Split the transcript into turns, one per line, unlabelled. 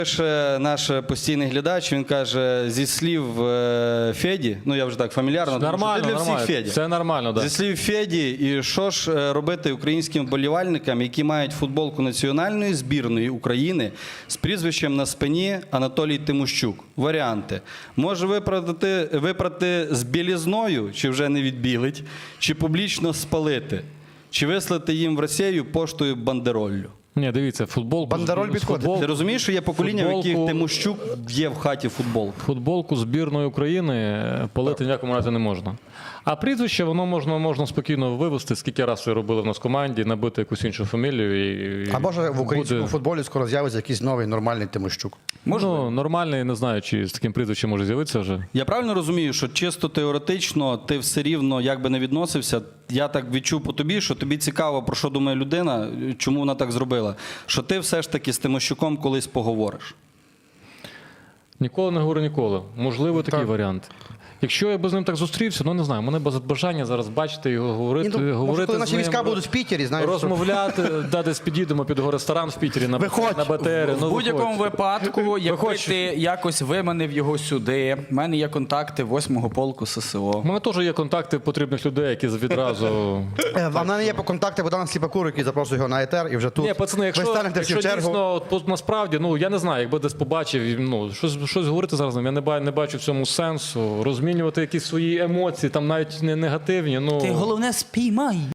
Пише наш постійний глядач, він каже, зі слів Феді, ну я вже так фамільярно,
Нормально,
для всіх
нормально.
Феді.
Це нормально, так.
Зі слів Феді, і що ж робити українським вболівальникам, які мають футболку національної збірної України з прізвищем на спині Анатолій Тимощук? Варіанти. Може випрати з білізною, чи вже не відбілить, чи публічно спалити, чи вислати їм в Росію поштою бандероллю.
Ні, дивіться, футболку...
Бандероль підходить.
Ти розумієш, що є покоління, в яких
футболку-
Тимощук є в хаті футболку?
Футболку збірної України палити ніякому разі не можна. А прізвище, воно можна спокійно вивести, скільки разів це робили в нас в команді, набити якусь іншу фамілію.
А може в українському
буде...
футболі скоро з'явиться якийсь новий нормальний Тимощук?
Ну, нормальний, не знаю, чи з таким прізвищем може з'явитися вже.
Я правильно розумію, що чисто теоретично ти все рівно, як би не відносився, я так відчув по тобі, що тобі цікаво, про що думає людина, чому вона так зробила, що ти все ж таки з Тимощуком колись поговориш.
Ніколи не говорю ніколи. Можливо, такий варіант. Якщо я би з ним так зустрівся, ну не знаю, мене без бажання зараз бачити його, говорити,
Може,
говорити
коли
з
наші
ним,
війська будуть в Питері, знаєш,
розмовляти, десь підійдемо під його ресторан в Питері на БТРі.
В будь-якому випадку, якби
Виходь.
ти якось виманив його сюди, в мене є контакти 8-го полку ССО.
У мене теж є контакти потрібних людей, які відразу...
А в мене є по контакти Богдана Сліпакура, який запрошує його на етер, і вже тут
Ні, пацани,
ви
якщо
станете всі в чергу.
дійсно, насправді, ну, я не знаю, якби десь побачив, ну, щось говорити зараз, я не бачу в цьому сенсу, розмінювати якісь свої емоції, там навіть не негативні, ну...
Ти головне спіймай.